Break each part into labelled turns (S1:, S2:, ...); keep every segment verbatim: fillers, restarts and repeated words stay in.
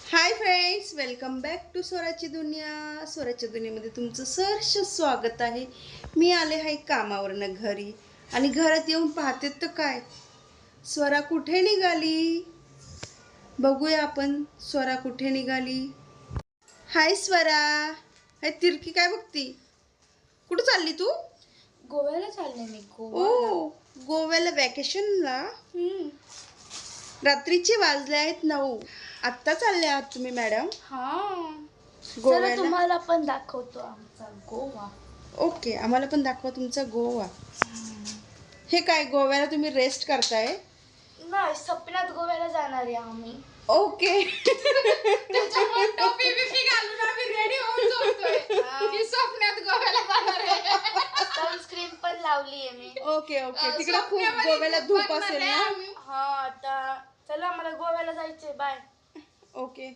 S1: High friends, welcome back to स्वराची दुनिया. स्वराच्या दुनियेमध्ये तुमचं सहर्ष स्वागत आहे. मी आले आहे कामावरनं घरी आणि घरात येऊन पाहते तर काय, स्वरा कुठे निघाली. बघूया आपण स्वरा कुठे निघाली. हाय स्वरा. हाय तिरकी काय बघती, कुठं चालली तू?
S2: गोव्याला चालले मी. गोवा
S1: ओ गोव्याला वॅकेशनला. रात्रीचे वाजले आहेत नऊ. आत्ता चालले आहात तुम्ही मॅडम
S2: हा. चला
S1: गोव्याला?
S2: तुम्हाला पण दाखवतो आमचा गोवा.
S1: ओके, आम्हाला पण दाखवा तुमचा गोवा. हे काय, गोव्याला तुम्ही रेस्ट करताय?
S2: नाही, सपनात गोव्याला जाणार आहे आम्ही.
S1: ओके.
S2: सनस्क्रीन पण लावली आहे मी.
S1: ओके ओके तिकडे खूप गोव्याला धूप असेल ना.
S2: हा, आता चला मला गोव्याला जायचंय. Bye.
S1: Okay.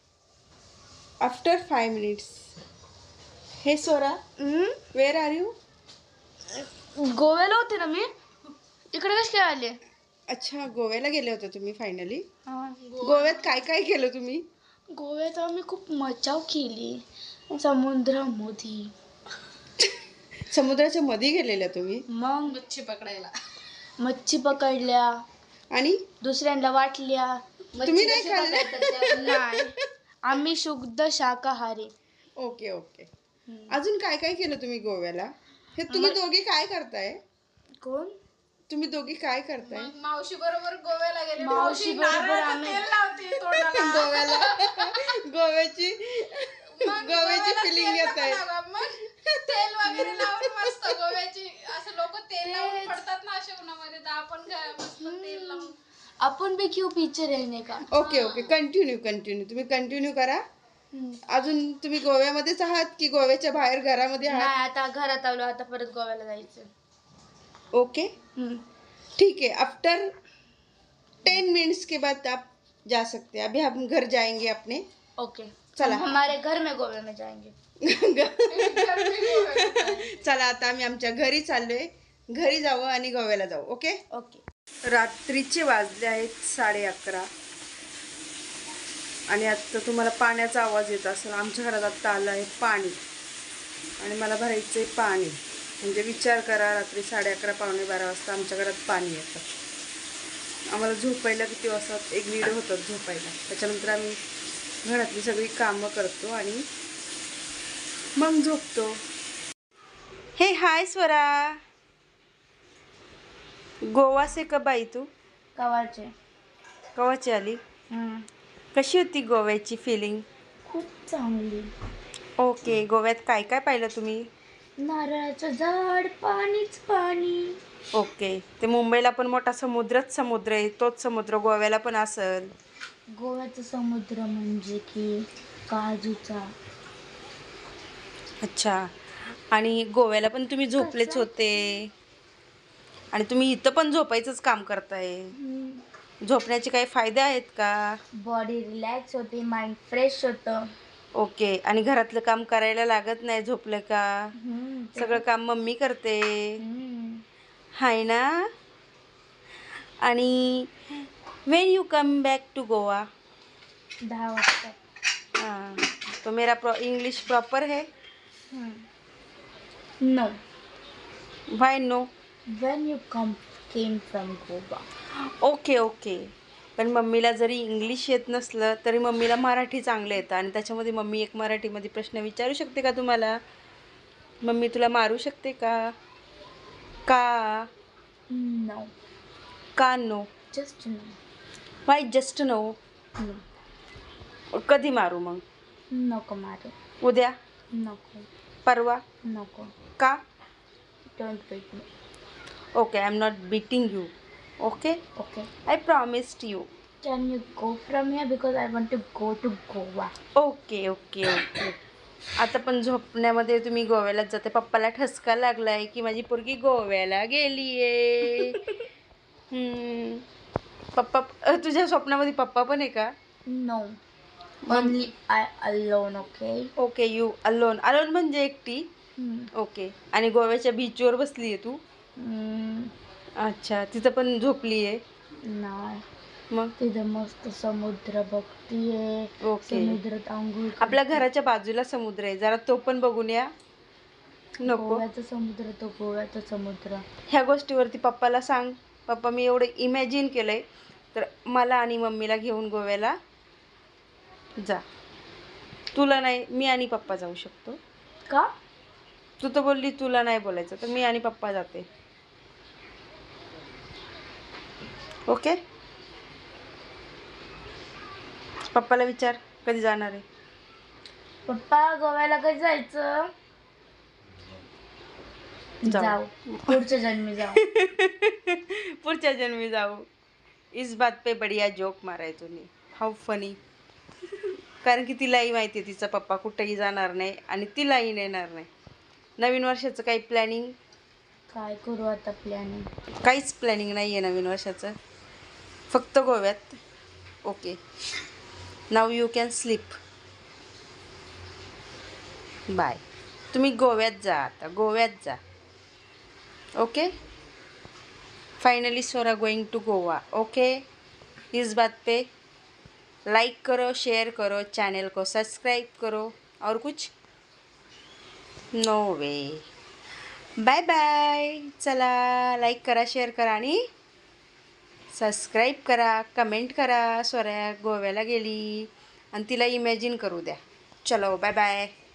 S1: After five minutes. हे सोरा, वेअर आर यू?
S2: गोव्याला होते ना मी. इकडे कसे काय आले?
S1: अच्छा, गोव्याला गेले होते तुम्ही फायनली.
S2: हा.
S1: गोव्यात काय काय केलं तुम्ही?
S2: गोव्यात आम्ही खूप मजा केली समुद्रामध्ये.
S1: समुद्राच्या मध्ये गेलेल्या तुम्ही?
S2: मग मच्छी पकडायला. मच्छी पकडल्या
S1: आणि
S2: दुसऱ्यांना वाटल्या.
S1: तुम्ही नाही खाल्ल्या?
S2: नाही, आम्ही शुद्ध शाकाहारी.
S1: Okay okay. अजून काय काय केलं तुम्ही गोव्याला? हे तुम्ही दोघी काय करताय?
S2: कोण?
S1: तुम्ही दोघी काय करताय?
S3: मावशी बरोबर गोव्याला गेले.
S2: मावशी बरोबर आम्ही
S1: गोव्याला गोव्याची गोव्याची फिलिंग येत आहे.
S3: मग तेल वगैरे लावून मस्त गोव्याची असं लोक तेल लावून पडतात ना अशा उन्हामध्ये, तर आपण घ- मस्त तेल लावून.
S2: आपण भी क्यों पीछे रहने का.
S1: ओके ओके, कंटिन्यू कंटिन्यू तुम्ही कंटिन्यू करा. अजून तुम्ही गोव्यामध्येच आहात की गोव्याच्या बाहेर घरामध्ये आहात?
S2: नाही, आता घरात आलो. आता परत गोव्याला जायचं.
S1: ओके ठीक है. आफ्टर टेन मिनट्स के बाद आप जा सकते हैं. अभी हम घर जाएंगे अपने.
S2: ओके,
S1: चला.
S2: हम हमारे घर में गोव्या में जाएंगे.
S1: चला, आता आम्ही आमच्या घरी चाललोय. घरी जाऊ आणि गोव्याला जाऊ. Okay
S2: okay.
S1: रात्रीचे वाजले आहेत साडे अकरा आणि आता तुम्हाला पाण्याचा आवाज येत असेल. आमच्या घरात आत्ता आलं आहे पाणी आणि मला भरायचं आहे पाणी. म्हणजे विचार करा, रात्री साडे अकरा पावणे बारा वाजता आमच्या घरात पाणी येतं. आम्हाला झोपायला किती वाजतात, एक दीड होतात झोपायला. त्याच्यानंतर आम्ही घरातली सगळी कामं करतो आणि मग झोपतो. हे हाय स्वरा. गोवा से कब आई तू?
S2: कवाचे.
S1: कवाची आली? कशी होती गोव्याची फिलिंग?
S2: खूप चांगली.
S1: ओके. गोव्यात काय काय पाहिलं तुम्ही?
S2: नारळाचं झाड, पाणीच पाणी.
S1: ओके. ते मुंबईला पण मोठा समुद्रच समुद्र आहे, तोच समुद्र गोव्याला पण असेल.
S2: गोव्याचा समुद्र म्हणजे की काजूचा.
S1: अच्छा. आणि गोव्याला पण तुम्ही झोपलेच होते आणि तुम्ही इथं पण झोपायचंच काम करताय. झोपण्याचे काही फायदे आहेत का?
S2: बॉडी रिलॅक्स होते, माइंड फ्रेश होतं.
S1: ओके. आणि घरातलं काम करायला लागत नाही झोपलं का? सगळं काम मम्मी करते, हाय ना? आणि when you come back to Goa?
S2: दहा वाजता.
S1: हाँ, तो मेरा प्रो इंग्लिश प्रॉपर है?
S2: No.
S1: Why no?
S2: When you come came from Goa.
S1: Okay okay. पण मम्मीला जरी इंग्लिश येत नसलं तरी मम्मीला मराठी चांगलं येतं आणि त्याच्यामध्ये मम्मी एक मराठीमध्ये प्रश्न विचारू शकते का तुम्हाला? मम्मी तुला मारू शकते का? का?
S2: No.
S1: का no?
S2: Just no.
S1: Why just no?
S2: No.
S1: कधी मारू मग?
S2: नको मारू.
S1: उद्या?
S2: नको.
S1: परवा?
S2: नको.
S1: का?
S2: Don't beat me.
S1: Okay, I am not beating you. Okay,
S2: Okay.
S1: I promised you.
S2: Can you go from here because I want to go to Goa.
S1: Okay okay okay. आता पण झोपण्यामध्ये तुम्ही गोव्यालाच जाते. पप्पाला ठसका लागलाय की माझी पोरगी गोव्याला गेलीये. हम्म. पप्पा अ, तुझ्या स्वप्नामध्ये पप्पा पण आहे का?
S2: No. Only I alone. Okay.
S1: Okay, you alone. Alone म्हणजे एकटी.
S2: Hmm.
S1: ओके. आणि गोव्याच्या बीचवर बसली आहे तू?
S2: Mm,
S1: अच्छा, तिथं पण झोपली आहे?
S2: no.
S1: मग
S2: तिथं मस्त समुद्र बघतीये.
S1: ओके.
S2: समुद्रात आंघोळ
S1: आपल्या घराच्या बाजूला समुद्र आहे, जरा तो पण बघून या. नको
S2: गोव्याचा समुद्र, तो गोव्याचा समुद्र.
S1: ह्या गोष्टीवरती पप्पाला सांग, पप्पा मी एवढं इमॅजिन केलंय, तर मला आणि मम्मीला घेऊन गोव्याला जा. तुला नाही, मी आणि पप्पा जाऊ शकतो.
S2: का?
S1: तू तर बोलली तुला नाही बोलायचं, तर मी आणि पप्पा जाते. ओके. पप्पाला विचार कधी जाणार आहे.
S2: पप्पा गोव्याला कधी जायचं?
S1: जाऊ.
S2: जाऊ, पुढच्या जन्मी जाऊ.
S1: पुढच्या जन्मी जाऊ. इस बात पे बढिया जोक माराय तुम्ही. How funny. कारण की तिलाही माहिती आहे तिचा पप्पा कुठेही जाणार नाही आणि तिलाही नेणार नाही. नवीन वर्षाचं काही प्लॅनिंग?
S2: काय करू आता प्लॅनिंग?
S1: काहीच प्लॅनिंग नाही आहे नवीन वर्षाचं, फक्त गोव्यात. Okay, now you can sleep. Bye. तुम्ही गोव्यात जा, आता गोव्यात जा. ओके. फाइनली सोरा गोइंग टू गोवा. ओके. इस बात पे लाइक करो, शेयर करो, चैनल को सब्सक्राइब करो. और कुछ? No way. Bye bye. चला, लाईक करा, शेअर करा आणि सबस्क्राईब करा, कमेंट करा. सोऱ्या गोव्याला गेली आणि तिला इमॅजिन करू द्या. चलो, बाय बाय.